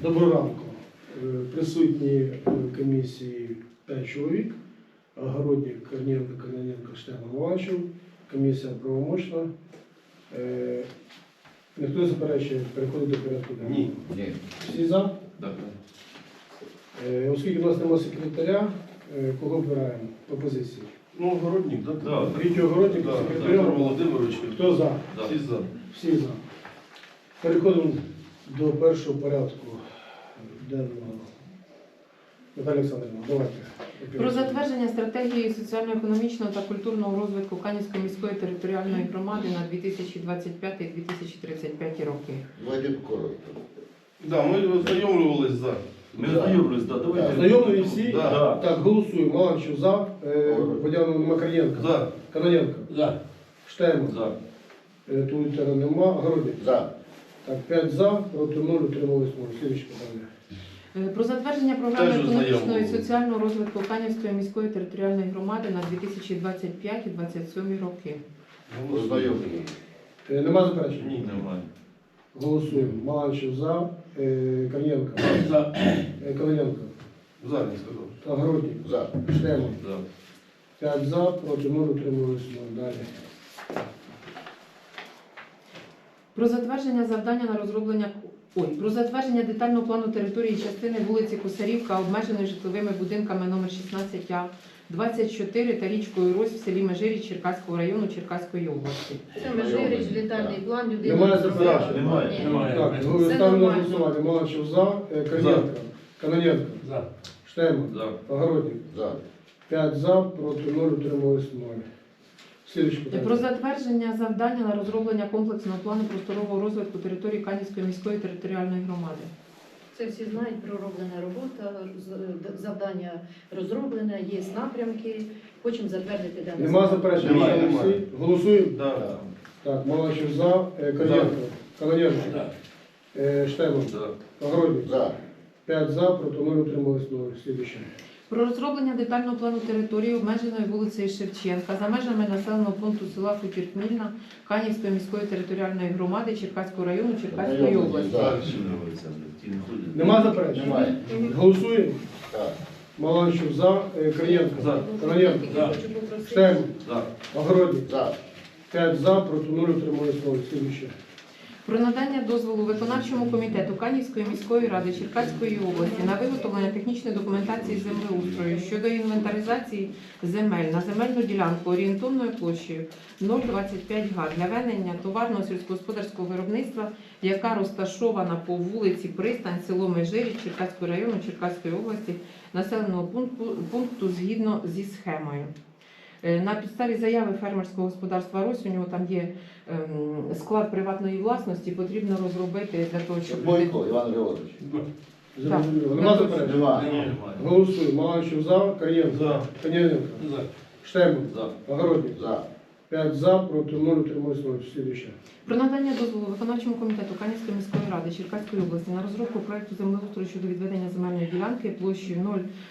Доброго ранку. Присутні в комісії 5 чоловік. Огородник, Корнієнко, Кононенко, Штеман, Маланчев. Комісія правомочна. Ніхто не заперечує переходити до порядку денного? Ні. Всі за? Так. Оскільки у нас немає секретаря, кого обираємо по позиції? Ну, огородник, так? Да. Третій огородник, Петро секретаря. Володимирович. Хто за? Да. Всі за. Всі за. Переходимо до першого порядку денного. Наталя Олександрівна, давайте. Про затвердження стратегії соціально-економічного та культурного розвитку Канівської міської територіальної громади на 2025-2035 роки. Давайте коротко. Да, ми ознайомлювались за. Ми знайомились, да, давайте. Знайомі всі? Да. Так, голосуємо. Маланчев за. Водяну Макар'єнко. За. Кононенко. За. Штеман. За. Тулітера нема. Огородник. За. Так, 5 за, проти 0, утримались 0. Слідуюче питання. Про затвердження програми Теж економічного і ознайомлювали. соціального розвитку Канівської міської територіальної громади на 2025-2027 роки. Ознайомлені. Нема заперечень? Ні. Немає. Голосуємо. Маланчев за. Корнієнко. За. Кононенко. За, не сказав. Огородник. За. Штеман. За. 5 за, проти 0, утримались 0. Далі. Про затвердження завдання на розроблення про затвердження детального плану території частини вулиці Косарівка, обмеженої житловими будинками номер 16А, 24 та річкою Рось в селі Межиріч Черкаського району Черкаської області. Це Межиріч, детальний план, людина. Немає не заперечень? знає. Немає. Ні. Немає. Так, Все ставлю на нормально. голосування. Маланчев за. Корнієнко. Кононенко. За. Штеман. За. Огородник. За. 5 за, проти 0, утримались 0. Слідуюче Про питання. затвердження завдання на розроблення комплексного плану просторового розвитку території Канівської міської територіальної громади. Це всі знають, пророблена робота, завдання розроблене, є напрямки. Хочемо затвердити дане. Нема заперечень? Немає, Всі? немає. Голосуємо? Да. Так, Маланчев за. Корнієнко. Кононенко. Штеман. За. Огородник. За. 5 за, проти 0, утримались 0. Слідуюче. Про розроблення детального плану території обмеженої вулицею Шевченка за межами населеного пункту села Хутір-Хмільна Канівської міської територіальної громади Черкаського району Черкаської Знайомий. області. За. Ті не ходять. Нема заперечень? Немає. Голосуємо? Так. Маланчев за. Корнієнко. За. Кононенко. Я хочу попросити. Штеман. За. Огородник. За. 5 за, проти 0, утримались 0. Слідуюче. Про надання дозволу виконавчому комітету Канівської міської ради Черкаської області на виготовлення технічної документації землеустрою щодо інвентаризації земель на земельну ділянку орієнтовною площею 0,25 га для ведення товарного сільськогосподарського виробництва, яка розташована по вулиці Пристань, село Межиріч Черкаського району Черкаської області, населеного пункту згідно зі схемою. На підставі заяви фермерського господарства «Рось», у нього там є склад приватної власності, потрібно розробити для того, щоб... Бойко Іван Григорович. Зрозуміло. Нема заперечень? Немає. Немає. Голосуємо. Маланчев за. Корнієнко. За. Кононенко. За. Штеман. За. Огородник. За. 5 за, проти 0, утримались 0. Слідуюче. Про надання дозволу виконавчому комітету Канівської міської ради Черкаської області на розробку проекту землеустрою щодо відведення земельної ділянки площею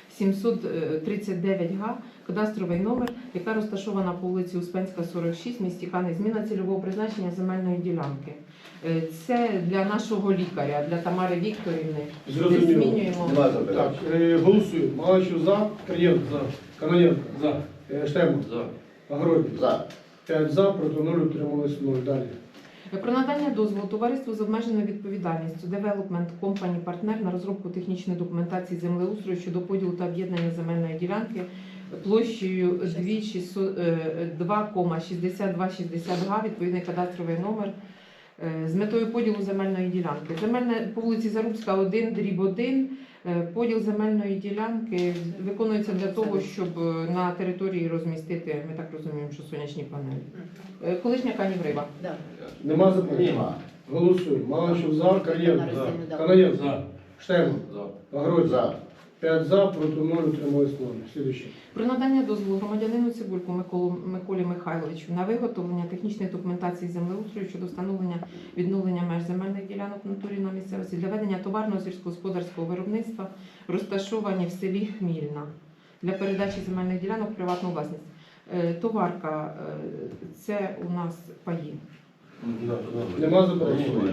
0,739 га, кадастровий номер, яка розташована по вулиці Успенська, 46, в місті Канів. Зміна цільового призначення земельної ділянки. Це для нашого лікаря, для Тамари Вікторівни. Ми Зрозуміло. змінюємо. Немає Так, заперечень. голосуємо. Маланчев за. Корнієнко. За. Кононенко. За. Штеман. За. Огородник. За. 5 за, проти 0, утримались 0. Далі. Про надання дозволу товариству з обмеженою відповідальністю Development Company Partner на розробку технічної документації землеустрою щодо поділу та об'єднання земельної ділянки площею 2,6260 га, відповідний кадастровий номер, з метою поділу земельної ділянки. По вулиці Зарубська, 1/1. Поділ земельної ділянки виконується для того, щоб на території розмістити, ми так розуміємо, що сонячні панелі. Колишня Каніврива. Да. Нема заперечень? Нема. Голосуємо. Маланчев за. Корнієнко. На роздільну, да. Кононенко. За. Штеман. За. Огородник. За. 5 за, проти 0, утримались 0. Слідуюче. Про надання дозволу громадянину Цибульку Миколі Михайловичу на виготовлення технічної документації землеустрою щодо встановлення відновлення меж земельних ділянок в натурі на місцевості для ведення товарного сільськогосподарського виробництва, розташовані в селі Хмільна, для передачі земельних ділянок в приватну власність. Товарка – це у нас паї. Да. Нема заперечень? Немає.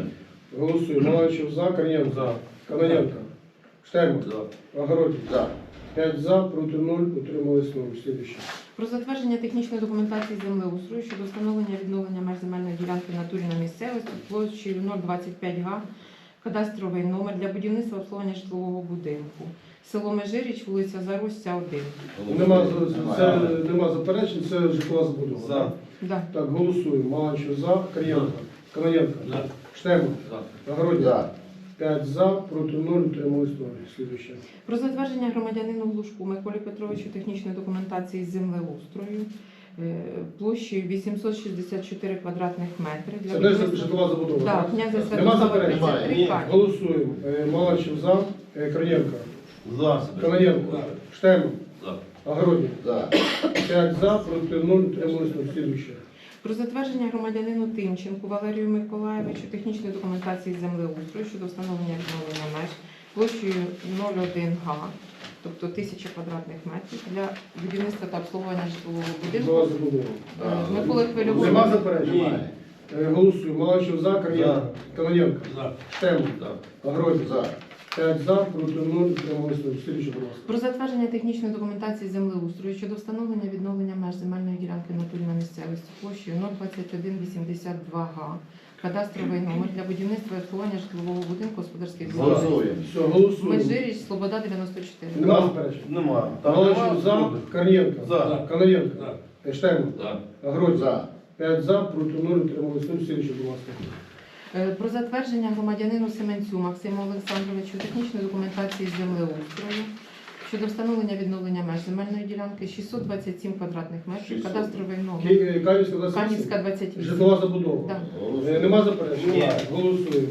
Голосуємо. Маланчев за, Корнієнко. За. Каноненко. Штемов. За. Огородник. За. 5 за, проти 0, утримались 0. Слідуюче. Про затвердження технічної документації землеустрою щодо встановлення відновлення меж земельної ділянки в натурі на місцевості площею 025 га, кадастровий номер для будівництва обслуговування житлового будинку. Село Межиріч, вулиця Заросця, 1. Нема заперечень, це житлова забудова. За. Да. Так, голосуємо. Маланчев за, Корнієнко. Каноненко. Штемов. Огородник. За. 5 за, проти 0, утримались 0. Слідуюче. Про затвердження громадянину Глушку Миколі Петровичу технічної документації з землеустрою площею 864 квадратних метри. Це теж житлова забудова. Так, так? князя Нема Святослава заперечень? 33 Ні. Канів. Голосуємо. Маланчев за, Корнієнко. За. Каноненко. Штемов. За. Огородник. За. 5 за, проти 0, утримались 0. Слідуюче. Про затвердження громадянину Тимченку Валерію Миколаєвичу технічної документації з землеустрою щодо встановлення відновлення меж площею 0,1 га, тобто 1000 квадратних метрів для будівництва та обслуговування житлового Житлова будинку. забудова. Миколи Хвильового. Нема заперечень? Немає. Голосуємо. Маланчев за, Корнієнко. Каноненко. За. Штемов. За. Огородник. За. 5 за, проти 0, утримались 0. Слідуюче, будь ласка. Про затвердження технічної документації землеустрою щодо встановлення відновлення меж земельної ділянки в натурі на місцевості площею 02182 га, кадастровий номер для будівництва і обслуговування житлового будинку господарських будівель. Голосуємо. Все, голосуємо. Межиріч, Слобода, 94. Нема заперечень? Нема. Там Маланчев нема. за, Корнієнко. За. Каноненко. Штемов. За. Огородник. За. 5 за, проти 0, утримались 0. Слідуюче, будь ласка. Про затвердження громадянину Семенцю Максиму Олександровичу технічної документації з землеустрою щодо встановлення відновлення меж земельної ділянки 627 квадратних метрів, 600. кадастровий номер. Канівська 28. Канівська 28. Житлова забудова. Да. Голосуємо. Нема заперечень? Ні. Голосуємо.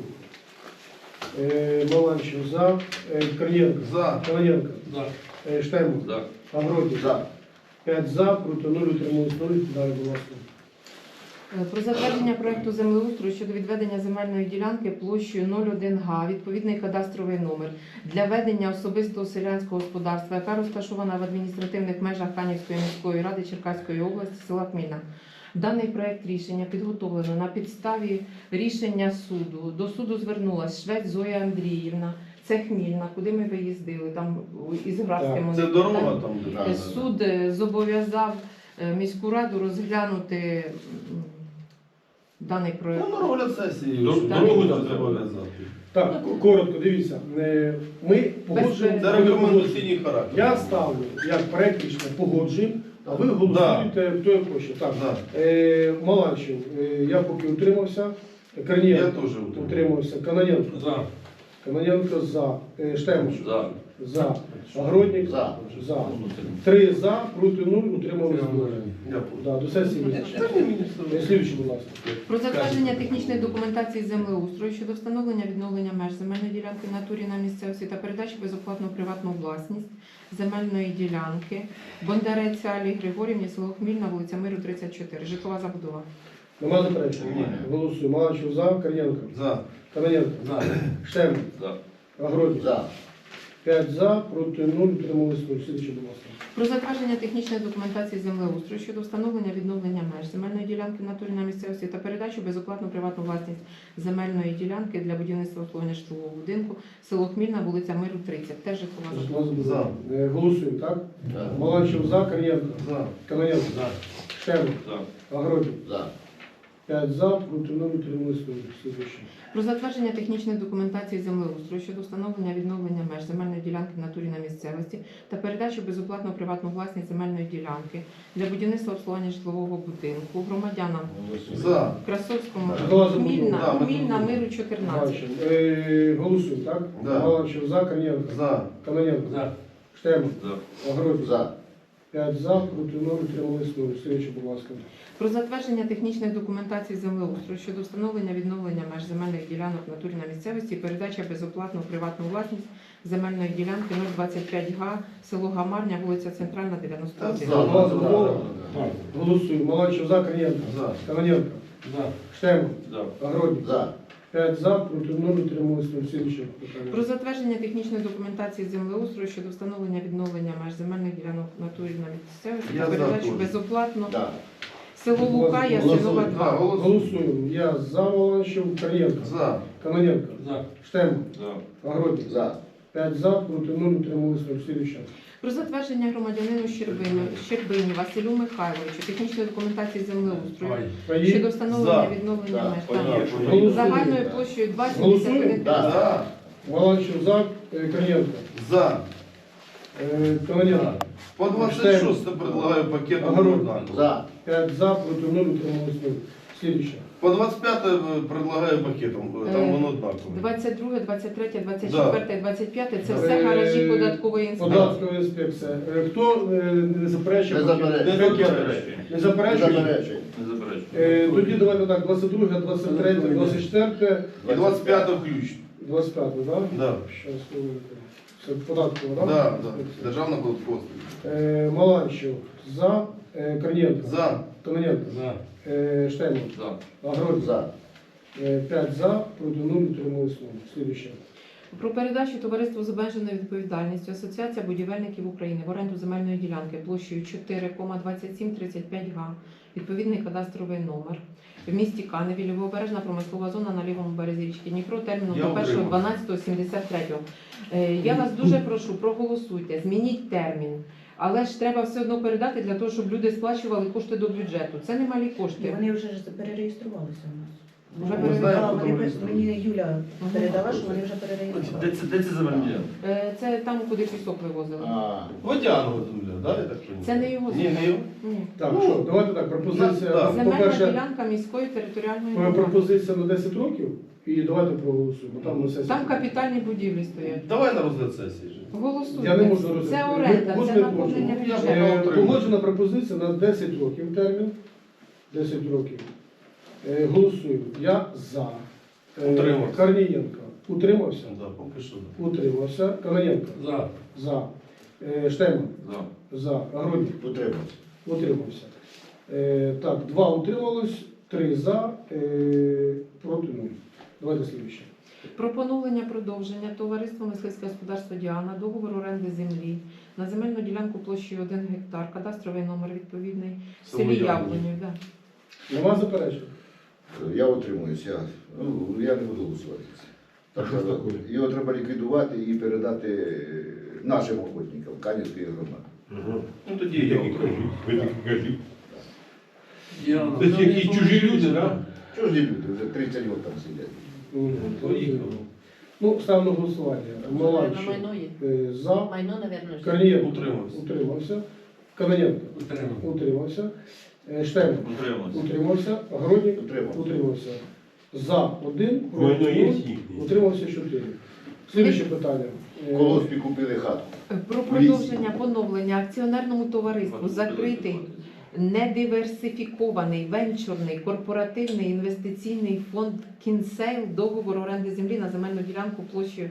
Маланчев за, Корнієнко. За. Каноненко. За. Штемов. За. Огородник. За. 5 за, проти 0, утримались 0. Далі, будь ласка. Про затвердження проекту землеустрою щодо відведення земельної ділянки площею 0,1 га, відповідний кадастровий номер для ведення особистого селянського господарства, яка розташована в адміністративних межах Канівської міської ради Черкаської області, села Хмільна. Даний проект рішення підготовлено на підставі рішення суду. До суду звернулася Швець Зоя Андріївна. Це Хмільна, куди ми виїздили, там із Градським. Це дорога там. Да. Суд зобов'язав міську раду розглянути даний проект. Ну, на розгляд сесії. Дорогу Дорогу треба треба в'язати. в'язати. Так, коротко, дивіться. Ми погоджуємо. Це рекомендаційний характер. Я ставлю як проект рішення погоджуємо, а ви голосуєте, хто як хоче. Так. Да. Маланчев, я поки утримався. Я Корнієнко теж утримався. Каноненко. За. Каноненко за. Штемов. За. За. Огородник. За. За. 3 за, проти 0, утримались 0. Я Да, до сесії визначено. Слідуючий, будь ласка. Про затвердження технічної документації землеустрою щодо встановлення відновлення меж земельної ділянки в натурі на місцевості та передачі безоплатну приватну власність земельної ділянки Бондарець Алі Григорівні, село Хмільна, вулиця Миру, 34. Житлова забудова. Нема заперечень? Ні. Голосуємо. Маланчев за, Корнієнко. За. Каноненко. За. Штемов. За. Огородник. За. 5 за, проти 0, утримались 0. Слідуючий, будь ласка. Про затвердження технічної документації землеустрою щодо встановлення відновлення меж земельної ділянки в натурі на місцевості та передачу безоплатну приватну власність земельної ділянки для будівництва обслуговування житлового будинку село Хмільна, вулиця Миру, 30. Теж житлова забудова. Житлова забудова. Голосуємо, так? За. Маланчев за, Корнієнко. За. Каноненко. За. Штемов. За. Огородник. За. 5 за, проти 0, утримались 0. Слідуючий. Про затвердження технічної документації землеустрою щодо встановлення відновлення меж земельної ділянки в натурі на місцевості та передачу безоплатну приватну власність земельної ділянки для будівництва обслуговування житлового будинку громадянам Голосуємо. За. Красовському, Житлова забудова. Хмільна, Да, ми Хмільна, тут. Миру, 14. Бачимо. Голосуємо, так? Да. Маланчев за, Корнієнко. За. Каноненко. За. Штемов. За. Огородник. За. 5 за, проти 0, утримались 0. Слідуючий, будь ласка. Про затвердження технічної документації землеустрою щодо встановлення відновлення меж земельних ділянок в натурі на місцевості і передача безоплатну приватну власність земельної ділянки 025 га, село Гамарня, вулиця Центральна, 91. Житлова забудова. Голосуємо. Маланчев за, Корнієнко. За. Каноненко. За. Штемов. За. Огородник. За. 5 за, проти 0, утримались 0. Слідуюче питання. Про затвердження технічної документації землеустрою щодо встановлення відновлення меж земельних ділянок в натурі на місцевості Я та за передачу теж. безоплатно Да. село Лука, Ясинова, Голосуємо. 2. Голосуємо. Я за Маланчев, Корнієнко. За. Каноненко. За. Штеман. За. Огородник. За. 5 за, проти 0, утримались 0. Слідуюча. Про затвердження громадянину Щербині Василю Михайловичу технічної документації землеустрою щодо встановлення За. відновлення За. меж Поїхали. та загальною площею 2,71 Голосуємо. Да. Маланчев за, Корнієнко. За. Каноненко. По 26 предлагаю пакетом Огород. однаково. За. 5 за, проти 0, утримались 0. Слідуюча. По 25 предлагаю пакетом, там воно однаково. 22, 23, 24, 25 – це все Е, гаражі податкової інспекції. Податкова інспекція. Хто не заперечує? Не заперечує. Не заперечує. Не заперечує? Заперечень. Не заперечую. Тоді давайте так, 22, 23, 24, І 25 включно. 25, так? Да. Щас, це податкова, так? Да, да. Державна податкова. Маланчев за, Корнієнко. За. Каноненко. За. Штейман. За. Огородник. За. 5 за, проти 0, утримались 0. Слідуюче. Про передачу товариству з обмеженою відповідальністю Асоціація будівельників України в оренду земельної ділянки площею 4,2735 га, відповідний кадастровий номер в місті Каневі, лівобережна промислова зона на лівому березі річки Дніпро, терміном Я до отримав. 1.12.73. Я вас дуже прошу, проголосуйте, змініть термін. Але ж треба все одно передати для того, щоб люди сплачували кошти до бюджету. Це немалі кошти. Вони вже ж перереєструвалися у нас. Вже Ми передали. знаємо, Вони хто просто- мені Юля передала, що вони вже Де перереєструвалися. це земельні? Це там, куди пісок вивозили. А. Водяного земля, да, я так розумію? Це не його Ні, не його. Ні. Так, Ну, що, давайте так, пропозиція. да. Земельна По-перше, ділянка міської територіальної громади. пропозиція на 10 років і давайте проголосуємо. Там на сесії. Там капітальні будівлі стоять. Давай на розгляд сесії. же. Голосуйте. Я не можу розглядати. Це оренда, Можна це я наповнення можу? Я бюджету. Погоджена пропозиція на 10 років термін. 10 років. Голосуємо. Я за. Утримався. Корнієнко. Утримався? Да, поки що. Да. Утримався. Каноненко. За. За. Штеман. За. За. Огородник. Утримався. Утримався. Так, 2 утрималось, 3 за, проти 0. Давайте слідуюче. Про поновлення продовження товариства мисливське господарство Діана, договору оренди землі на земельну ділянку площею 1 гектар, кадастровий номер відповідний, в селі Яблонів. Да. Нема заперечень? Я утримуюся. Я не буду голосувати. Так що його треба ліквідувати і передати нашим охотникам Канівської громади. Ну тоді я Це які чужі люди, так? Чого ж ні люди? Вже 30 років там сидять. Поїхали. Ну, ставимо на голосування. На Маланчев майно є. за, Майно, напевно. Корнієнко Утримався. утримався, Каноненко утримався, Штеман Утримався. утримався, Огородник Утримався. утримався. За 1, проти 0, утримався 4. Слідуюче питання. В колоспі купили хату. Про продовження поновлення акціонерному товариству закритий недиверсифікований венчурний корпоративний інвестиційний фонд Кінсейл, договор оренди землі на земельну ділянку площею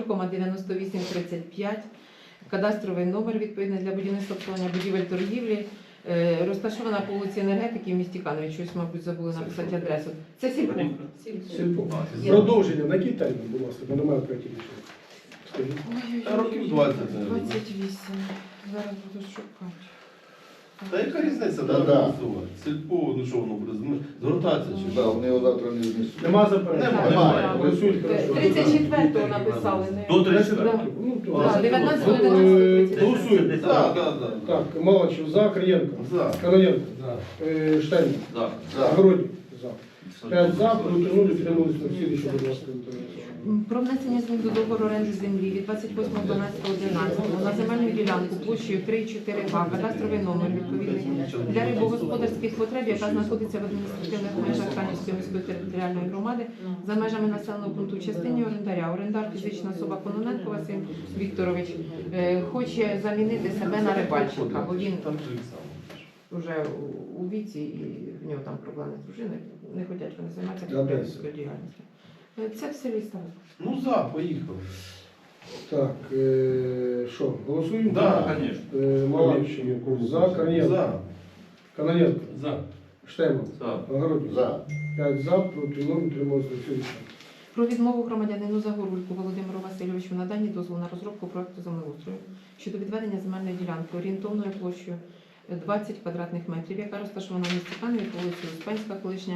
0,9835, кадастровий номер відповідний для будівництва обслуговування будівель торгівлі, розташована по вулиці Енергетики в місті Канові. Щось, мабуть, забули написати адресу. Це сільпо. Сільпо. Продовження на який термін, будь ласка, бо немає проєктів рішення. Скажіть. Та років 20, наверное. 28. Зараз буду шукати. Та яка різниця, Да, да, да. голосувати? Сільпо, ну що воно буде, звертатися чи Да, що? вони його завтра не знесуть. Нема заперечень? Немає. Голосують, хорошо. 34-го написали. До 10 34. років. Ну, то- Да, 19, Ну, 11, Голосуємо. Так, так, так. Так, Маланчев за, Корнієнко. За. Каноненко. Штейн. За. За. Огородник. За. 5 за, проти 0, утримались на всі, що, будь ласка, Про внесення змін до договору оренди землі від 28.12.11 на земельну ділянку площею 3,4 га, кадастровий номер відповідний для рибогосподарських потреб, яка знаходиться в адміністративних межах Канівської міської територіальної громади за межами населеного пункту в частині орендаря. Орендар фізична особа Кононенко Василь Вікторович хоче замінити себе на рибальщика, бо він вже у віці і в нього там проблеми з дружиною, не хочуть вони займатися підприємницькою діяльністю. Це в селі Ставок. Ну за, поїхали. Так, що, голосуємо? Да, Звісно. Маланчев за, Корнієнко. За. Каноненко. За. Штейман. За. Огородник. За. 5 за, проти 0, утримались на всі. Про відмову громадянину Загорульку Володимиру Васильовичу в наданні дозволу на розробку проекту землеустрою щодо відведення земельної ділянки орієнтовною площею 20 квадратних метрів, яка розташована в місті Каневі по вулиці Успенська, колишня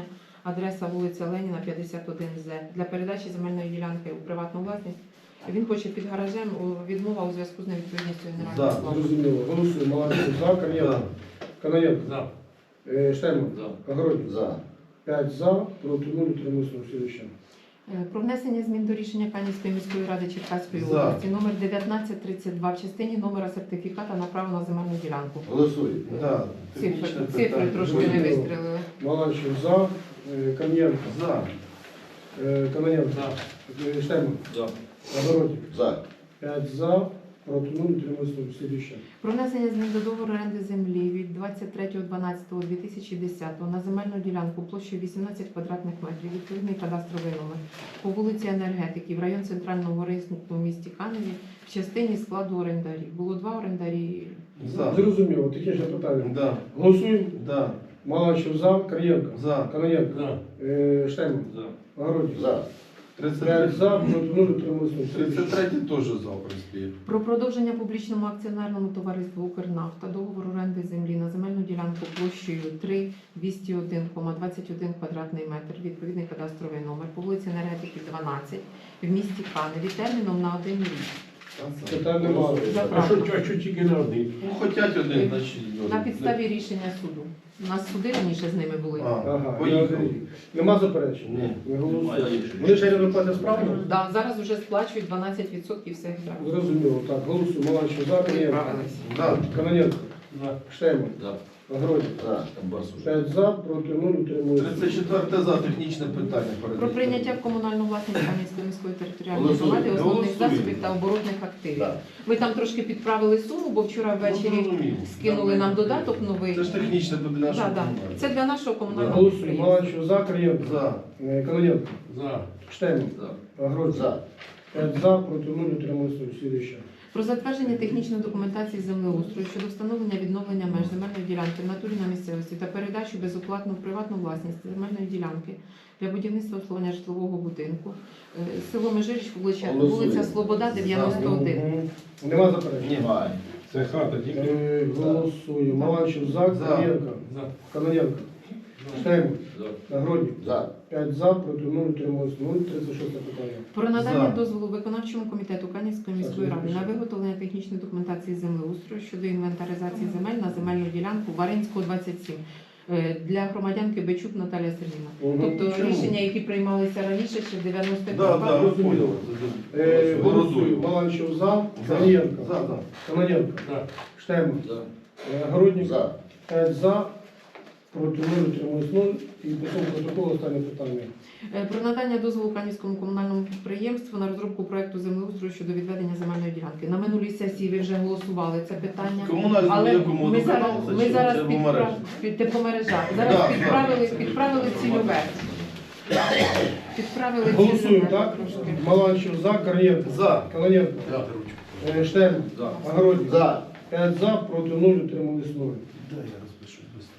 адреса вулиця Леніна, 51З, для передачі земельної ділянки у приватну власність. Він хоче під гаражем, відмова у зв'язку з невідповідністю генерального За. плану. Зрозуміло. Голосуємо. Маланчев за. Корнієнко. Канаєнко. За. Штеман. За. Огородник. За. 5 за, проти 0, утримуюсь. Слідуюче. Про внесення змін до рішення Канівської міської ради Черкаської За. області номер 1932 в частині номера сертифіката на право на земельну ділянку. Голосуємо. Да, технічне Цифри питання. трошки не вистрілили. Маланчев за. Корнієнко. За. Канаєнко. За. Штеман. За. Огородник. За. 5 за, проти 0, утримуюсь. Слідуюче. Про внесення змін до договору оренди землі від 23.12.2010 на земельну ділянку площею 18 квадратних метрів, відповідний кадастровий номер, по вулиці Енергетики в район Центрального ринку в місті Каневі в частині складу орендарів. Було 2 орендарі. За. Зрозуміло. Технічне питання. Да. Голосуємо. Да. Маланчев за. Корнієнко. За. Канаєнко. За. Штеман. За. Огородник. За. 5 за, проти 0, утримуюсь. Слідуюче. 33 теж за, в принципі. Про продовження публічному акціонерному товариству «Укрнафта» договору оренди землі на земельну ділянку площею 3.201,21 квадратний метр, відповідний кадастровий номер, по вулиці Енергетики 12 в місті Каневі терміном на 1 рік. Питань немає. А що тільки на один? Ну, хотять один, значить. На підставі рішення суду. У нас суди раніше з ними були. Ага, Поїхав. Нема заперечень? Ні. Не голосуємо. Вони ще не платять справно? Да, зараз вже сплачують 12% всіх штрафів. Зрозуміло. Так, голосуємо. Маланчев за. Канаєнко. Відправились. Да. Канаєнко. За. Штеман. За. Огородник. За. 5 за, проти 0, утримуюсь. 34 за, технічне питання. Про прийняття в комунальну власність Кам'янської міської територіальної Голосуємо. громади основних Голосуємо. засобів та оборотних активів. Да. Ми там трошки підправили суму, бо вчора ввечері Зрозуміло. скинули нам додаток новий. Це ж технічне для нашого. Да, да. комунального. Це для нашого комунального Голосуємо. підприємства. Маланчев за. Канаєнко. За. Канаєнко. За. Штеман. За. Огородник. За. 5 за, проти 0, утримуюсь. Слідуюче. Про затвердження технічної документації землеустрою щодо встановлення відновлення меж земельної ділянки в натурі на місцевості та передачу безоплатно в приватну власність земельної ділянки для будівництва обслуговування житлового будинку. Село Межиріч, вулиця Голосуємо. Слобода, 91. Мгм. Нема заперечень? Немає. Це хата тільки. Голосуємо. Маланчев за. За. Канаєнко. За. Канаєнко. Штеман. За. Огородник. За. 5 за, проти 0, утримуюсь. 0, 36 питання. Про надання За. дозволу виконавчому комітету Канівської міської ради на виготовлення технічної документації землеустрою щодо інвентаризації земель на земельну ділянку Варинського 27 для громадянки Бечук Наталія Сергійовна. Мгм. Тобто Чому? рішення, які приймалися раніше, ще в 95 Да, да, ви поняли. Голосую. Маланчев за. Канаєнко. За, за. Канаєнко. За. Штеман. За. Огородник. За. 5 за, проти 0, утримуюсь 0. І по цьому протоколу останнє питання. Про надання дозволу Канівському комунальному підприємству на розробку проекту землеустрою щодо відведення земельної ділянки. На минулій сесії ви вже голосували це питання. Комунальному Але якому ми зараз, додавалося, чи тепломережі? тепломережа. Зараз Да, підправили цільове. Підправили Голосуємо, цільове так? трошки. Маланчев за, Корнієнко. За. Канаєнко. За. Штеман. За. Огородник. За. 5 за, проти 0, утримуюсь 0. Да, я розпишу швидко.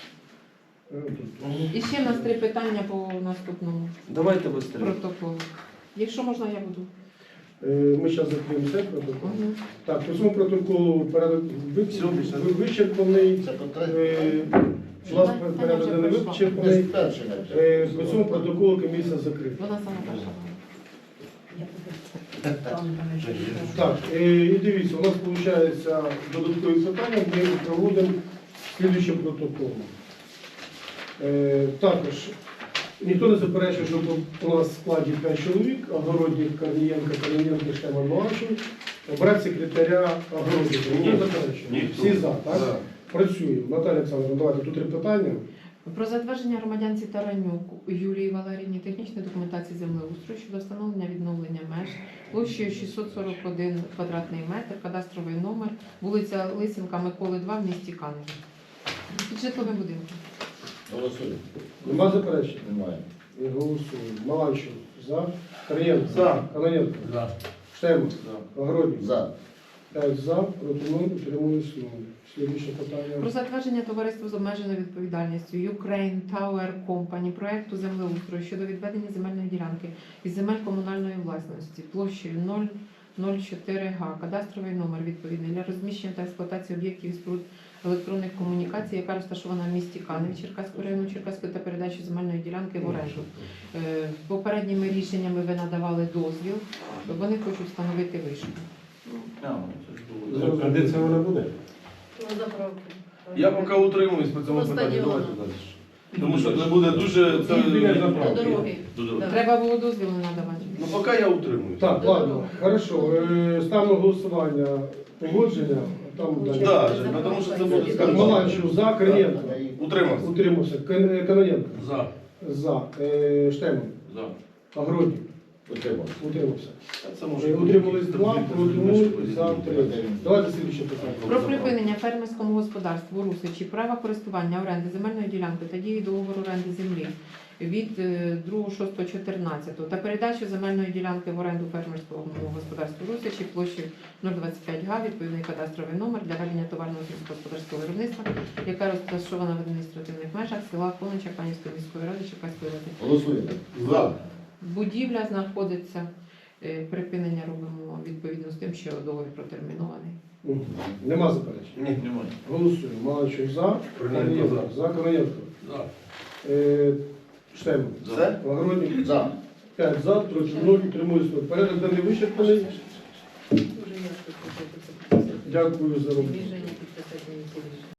І ще в нас 3 питання по наступному Давайте швидко. протоколу. Якщо можна, я буду. Ми зараз закриємо цей протокол. Мгм. Так, по цьому протоколу порядок Все, більше. вичерпаний. Це питання. У нас порядок денний Це вичерпаний. перше. По цьому протоколу комісія закрита. Вона сама перша. Так, і дивіться, у нас виходить додаткові питання, ми їх проводимо слідуючим протоколом. Також ніхто не заперечує, щоб у нас в складі 5 чоловік, Огородник, Корнієнко, Канаєнко, Штеман, Маланчев, обрати секретаря Огородника. Ніхто не заперечує? Ніхто. Всі за, так? За. Працюємо. Наталя Олександровна, давайте тут 3 питання. Про затвердження громадянці Таранюк Юлії Валеріївні технічної документації землеустрою щодо встановлення відновлення меж площею 641 квадратний метр, кадастровий номер, вулиця Лисенка, Миколи 2 в місті Каневі. Під житловим будинком. Голосуємо. Нема заперечень? Немає. І голосуємо. Маланчев за. Корнієнко. За. Канаєнко. За. Штеман. За. Огородник. За. 5 за, проти 0, утримуюсь 0. Слідуюче питання. Про затвердження товариства з обмеженою відповідальністю Ukraine Tower Company проекту землеустрою щодо відведення земельної ділянки із земель комунальної власності площею 004 га, кадастровий номер відповідний для розміщення та експлуатації об'єктів і споруд електронних комунікацій, яка розташована в місті Каневі Черкаського району Черкаської та передачі земельної ділянки в оренду. Попередніми рішеннями ви надавали дозвіл, вони хочуть встановити вишку. А де це вона буде? Ну, заправки. Я поки утримуюсь по цьому По питанню. стадіону. Давайте далі. Тому що це буде дуже... Це... Біля До заправки. дороги. до дороги. Да. Треба було дозвіл не надавати. Ну поки я утримуюсь. Так, ладно, хорошо. Ставимо голосування погодження. Там далі. Да, Жень, тому що це буде Так, скандал. Маланчев за, Корнієнко. Утримався. Утримався. Каноненко. За. За. Штеман. За. Огородник. Утримався. Утримався. Це може Утримались бути. 2, проти 0, за 3. Давайте слідче питання. Про припинення фермерському господарству Русичі права користування оренди земельної ділянки та дії договору оренди землі від 2.6.14 та передачу земельної ділянки в оренду фермерському господарству Русичі площею 025 га, відповідний кадастровий номер для ведення товарного сільськогосподарського виробництва, яка розташована в адміністративних межах села Конича Канівської міської ради Черкаської області. Голосуємо. За. Будівля знаходиться, припинення робимо відповідно з тим, що договір протермінований. Мгм. Нема заперечень. Ні, немає. Голосуємо. Маланчев за, Корнієнко Корнієнко за, Каноненко. За. Штеман. Все? Огородник. За. 5 за, проти 0, утримуюсь 0. Порядок денний вичерпаний. Дуже ясно, що це. Дякую за роботу. Движення підписати не